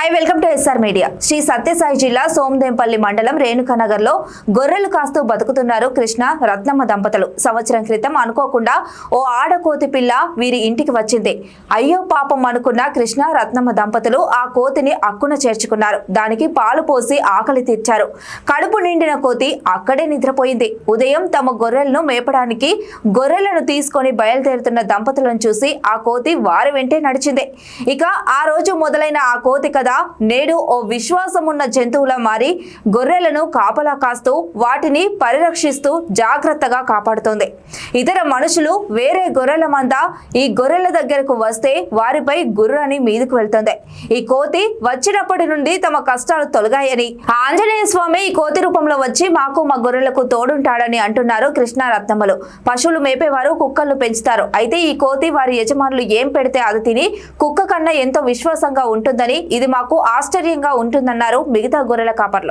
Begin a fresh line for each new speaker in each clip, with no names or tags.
Hi welcome to SR media. Shri Sathya Sai జిల్లా సోమదేంపల్లి మండలం రేణుకానగర్లో గొర్రెలు కాస్తూ బతుకుతున్నారు కృష్ణ రత్నమ్మ దంపతులు. సంవత్సరం క్రితం అనుకోకుండా ఓ ఆడకోతి పిల్ల వీరి ఇంటికి వచ్చింది. అయ్యో పాపం అనుకున్న కృష్ణ రత్నమ్మ దంపతులు ఆ కోతిని అక్కున చేర్చుకున్నారు. దానికి పాలు పోసి ఆకలి తీర్చారు. కడుపు నిండిన కోతి అక్కడే నిద్రపోయింది. ఉదయం తమ గొర్రెలను మేపడానికి గొర్రెలను తీసుకొని బయలుదేరుతున్న దంపతులను చూసి ఆ కోతి వారి వెంటే నడిచింది. ఇక ఆ రోజు మొదలైన ఆ కోతి కథ నేడు ఓ విశ్వాసమున్న జంతువులా మారి గొర్రెలను కాపలా కాస్తూ వాటిని పరిరక్షిస్తూ జాగ్రత్తగా కాపాడుతోంది. ఇతర మనుషులు వేరే గొర్రెల మంద ఈ గొర్రెల దగ్గరకు వస్తే వారిపై గుర్రని మీదకు వెళ్తుంది. ఈ కోతి వచ్చినప్పటి నుండి తమ కష్టాలు తొలగాయని ఆంజనేయ స్వామి ఈ కోతి రూపంలో వచ్చి మాకు మా గొర్రెలకు తోడుంటాడని అంటున్నారు కృష్ణ రత్నమ్మలు. పశువులు మేపేవారు కుక్కలను పెంచుతారు. అయితే ఈ కోతి వారి యజమానులు ఏం పెడితే అది తిని కుక్క కన్నా ఎంతో విశ్వాసంగా ఉంటుందని, ఇది మాకు ఆశ్చర్యంగా ఉంటుందన్నారు మిగతా గొర్రెల కాపర్లు.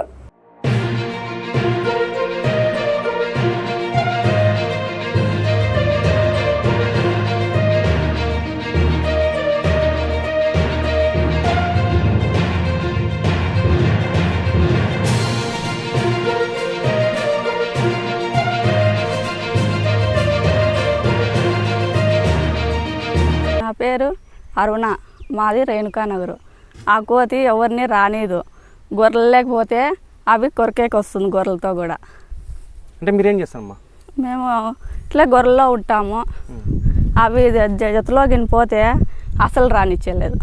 నా పేరు అరుణ, మాది రేణుకానగర్. ఆ కోతి ఎవరిని రానిదు. గొర్రెలు లేకపోతే అవి కొరికేకి వస్తుంది గొర్రెలతో కూడా.
అంటే మీరేం చేస్తారమ్మా?
మేము ఇట్లా గొర్రెల్లో ఉంటాము. అవి జతలోకి పోతే అసలు రానిచ్చేలేదు,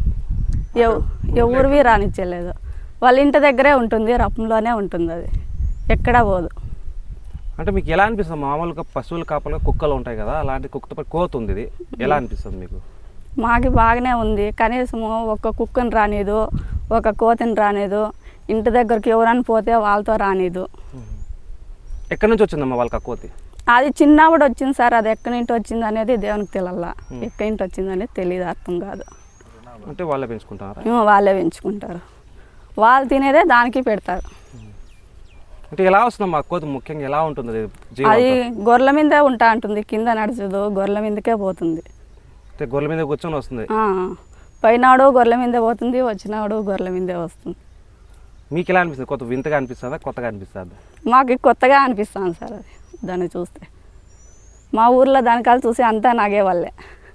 ఎవరివి రానిచ్చేలేదు. వాళ్ళ ఇంటి దగ్గరే ఉంటుంది, రపంలోనే ఉంటుంది, అది ఎక్కడా పోదు.
అంటే మీకు ఎలా అనిపిస్తుంది? మామూలుగా పశువులు కాపలుగా కుక్కలు ఉంటాయి కదా, అలాంటి కుక్కతో కోతి ఉంది, ఇది ఎలా అనిపిస్తుంది మీకు?
మాకు బాగానే ఉంది. కనీసము ఒక కుక్కని రానిదు, ఒక కోతిని రానిదు. ఇంటి దగ్గరికి ఎవరైనా పోతే వాళ్ళతో రానిదు.
ఎక్కడి నుంచి వచ్చిందమ్మా వాళ్ళకి ఆ కోతి?
అది చిన్నప్పుడు వచ్చింది సార్. అది ఎక్కడి నుంచి వచ్చింది అనేది దేవునికి తెలియాల. ఎక్కడి నుంచి వచ్చింది అనేది తెలియదు, అర్థం కాదు.
అంటే వాళ్ళే పెంచుకుంటారా?
వాళ్ళే పెంచుకుంటారు. వాళ్ళు తినేదే దానికి పెడతారు.
అంటే ఎలా వస్తుందమ్మా కోతి? ముఖ్యంగా ఎలా ఉంటుంది
అది? గొర్రెల మీదే ఉంటా ఉంటుంది, కింద నడుచదు, గొర్రెల మీదకే పోతుంది.
గొర్రెల మీద కూర్చొని వస్తుంది.
పోయినాడు గొర్రెల మీదే పోతుంది, వచ్చినాడు గొర్రెల మీదే వస్తుంది.
మీకు ఎలా అనిపిస్తుంది? కొత్త వింతగా అనిపిస్తుందా, కొత్తగా అనిపిస్తుందా?
మాకు కొత్తగా అనిపిస్తుంది సార్ అది. దాన్ని చూస్తే మా ఊర్లో దానికాలు చూసి అంతా నాగేవాళ్ళే.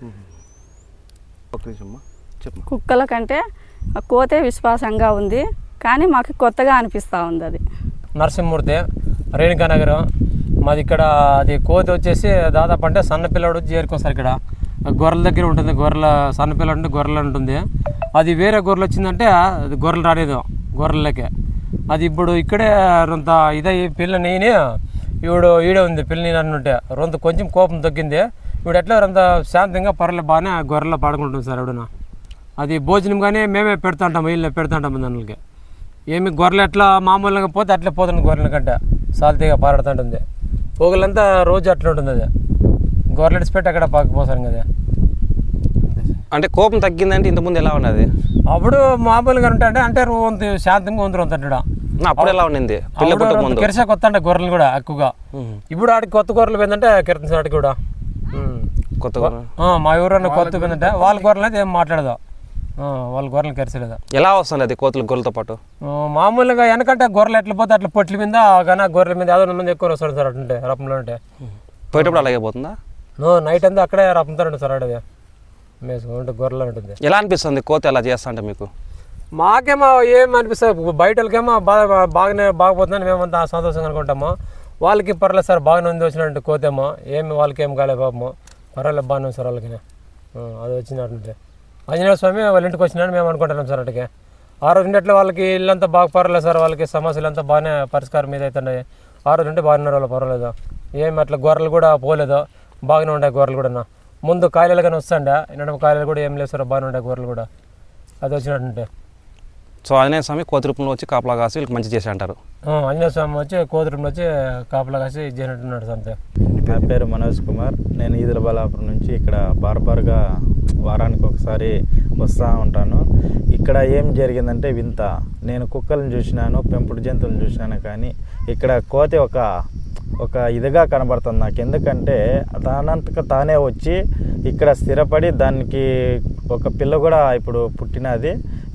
కుక్కల కంటే కోతే విశ్వాసంగా ఉంది, కానీ మాకు కొత్తగా అనిపిస్తూ ఉంది అది.
నరసింహమూర్తి, రేణుకానగర్ మాది. ఇక్కడ అది కోతి వచ్చేసి దాదాపు అంటే సన్నపిల్లడు వచ్చి చేరుకోసారి ఇక్కడ గొర్రెల దగ్గర ఉంటుంది. గొర్రెల సన్నపిల్లడు అంటే గొర్రెలు ఉంటుంది. అది వేరే గొర్రెలు వచ్చిందంటే అది గొర్రెలు రాలేదు గొర్రెలకే. అది ఇప్పుడు ఇక్కడే రొంత ఇదై పిల్ల నేనే ఈడే ఉంది. పిల్ల నేను అన్నుంటే రొంత కొంచెం కోపం తగ్గింది. ఇప్పుడు ఎట్లా రొంత శాంతంగా పర్లేదు బాగానే గొర్రెలు పాడుకుంటుంది సార్. ఎవడన అది భోజనం కానీ మేమే పెడుతుంటాము, వీళ్ళని పెడుతుంటాము దానికి. ఏమి గొర్రెలు ఎట్లా మామూలుగా పోతే అట్లే పోతుంది. గొర్రెల కంటే సాల్తీగా పారాడుతుంటుంది. పోగులంతా రోజు అట్లా ఉంటుంది. అది గొర్రెలు ఇడిచిపెట్టి అక్కడ పాకపోసారు కదా.
అంటే కోపం తగ్గిందంటే ఇంతకుముందు ఎలా ఉన్నది?
అప్పుడు మామూలుగా ఉంటాయంటే అంటే రొంత శాంతంగా ఉంది రొంతడా.
అప్పుడు ఎలా ఉండింది?
కిరసా కొత్త అంటే గొర్రెలు కూడా ఎక్కువగా. ఇప్పుడు ఆడికి కొత్త గొర్రెలు పోయిందంటే కిరత ఆడికి కూడా
కొత్త గొర్రెలు
మా ఊరన్నా కొత్త పోయిందంటే వాళ్ళ గొర్రెలు అయితే ఏం మాట్లాడదు. వాళ్ళ గొర్రెలు కెరసలేదు.
ఎలా వస్తుంది అది కోతులు గొర్రెలతో పాటు?
మామూలుగా వెనకంటే గొర్రెలు ఎట్లా పోతే అట్లా పొట్ల మీద కానీ గొర్రెల మీద యాదో మంది ఎక్కువ వస్తారు సార్. అటుంటే రపంలో ఉంటే
పోయేటప్పుడు అలాగే పోతుందా?
నైట్ అంతా అక్కడే రపంతో సార్. అడవి మేసుకుంటే గొర్రెలు ఉంటుంది.
ఎలా అనిపిస్తుంది కోతి అలా చేస్తా అంటే మీకు?
మాకేమో ఏం అనిపిస్తుంది, బయట వాళ్ళకేమో బాగపోతుందని మేమంతా సంతోషంగా అనుకుంటాము. వాళ్ళకి పర్లేదు సార్, బాగానే ఉంది వచ్చినట్టు కోతేమో. ఏమి వాళ్ళకి ఏం కాలే పాపము, పర్వాలేదు బాగానే ఉంది సార్ వాళ్ళకి. అది వచ్చినట్టుంటే ఆంజనేయ స్వామి వాళ్ళ ఇంటికి వచ్చినాడు మేము అనుకుంటున్నాం సార్. అటుకే ఆ రోజు ఉంటే వాళ్ళకి ఇల్లంతా బాగా పర్వాలేదు సార్. వాళ్ళకి సమస్యలు అంతా బాగానే పరిష్కారం మీద అవుతున్నాయి. ఆ రోజు ఉంటే బాగున్నారు వాళ్ళు, పర్వాలేదు. ఏమి అట్లా గొర్రెలు కూడా పోలేదు, బాగానే ఉంటాయి గొర్రెలు కూడా. ముందు కాయలు కానీ వస్తాండే, నడుమ కాయలు కూడా ఏం లేదు సార్, బాగానే ఉంటాయి గొర్రెలు కూడా. అది వచ్చినట్టుంటే
సో ఆంజనేయ స్వామి కోతి రూపంలో వచ్చి కాపలా కాసి వీళ్ళకి మంచి చేసి అంటారు.
ఆంజనేయ స్వామి వచ్చి కోతి రూపంలో వచ్చి కాపలా కాసి చేసినట్టున్నాడు అంతే.
నా పేరు మనోజ్ కుమార్. నేను ఈదుల బలాపురం నుంచి ఇక్కడ బార్బార్గా వారానికి ఒకసారి వస్తూ ఉంటాను. ఇక్కడ ఏం జరిగిందంటే వింత. నేను కుక్కలను చూసినాను, పెంపుడు జంతువులను చూసినాను, కానీ ఇక్కడ కోతి ఒక ఇదిగా కనబడుతుంది నాకు. ఎందుకంటే తానంతక తానే వచ్చి ఇక్కడ స్థిరపడి దానికి ఒక పిల్ల కూడా ఇప్పుడు పుట్టినది.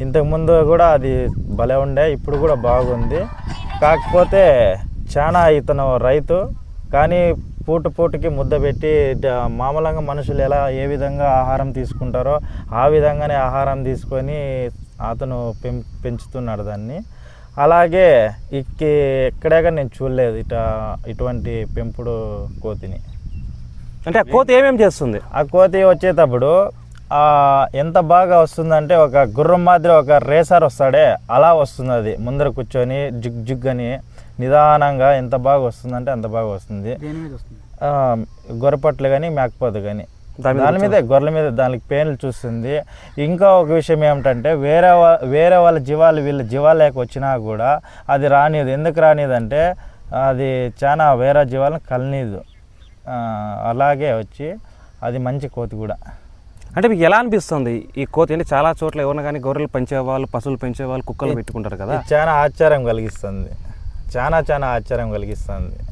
ఇంతకుముందు కూడా అది భలే ఉండే, ఇప్పుడు కూడా బాగుంది. కాకపోతే చాలా ఇతను రైతు, కానీ పూటకి ముద్ద పెట్టి మామూలుగా మనుషులు ఏ విధంగా ఆహారం తీసుకుంటారో ఆ విధంగానే ఆహారం తీసుకొని అతను పెంచుతున్నాడు దాన్ని. అలాగే ఎక్కడేగా నేను చూడలేదు ఇటువంటి పెంపుడు కోతిని.
అంటే ఆ కోతి ఏమేమి చేస్తుంది?
ఆ కోతి వచ్చేటప్పుడు ఎంత బాగా వస్తుందంటే ఒక గుర్రం మాదిరి ఒక రేసర్ వస్తాడే అలా వస్తుంది. అది ముందర కూర్చొని జుగ్ అని నిదానంగా ఎంత బాగా వస్తుందంటే అంత బాగా వస్తుంది. గొర్రెపట్లు కానీ మేకపోతు కానీ దాని మీద గొర్రెల మీద దానికి పేర్లు చూస్తుంది. ఇంకా ఒక విషయం ఏమిటంటే వేరే వాళ్ళ జీవాలు వీళ్ళ జీవాలేక వచ్చినా కూడా అది రానిది. ఎందుకు రానిది అంటే అది చాలా వేరే జీవాలను కలనీదు. అలాగే వచ్చి అది మంచి కోతి కూడా.
అంటే మీకు ఎలా అనిపిస్తుంది ఈ కోతి? అంటే చాలా చోట్ల ఎవరైనా కానీ గొర్రెలు పెంచేవాళ్ళు, పశువులు పెంచేవాళ్ళు కుక్కలు పెట్టుకుంటారు కదా,
చాలా ఆశ్చర్యం కలిగిస్తుంది. చాలా ఆశ్చర్యం కలిగిస్తుంది.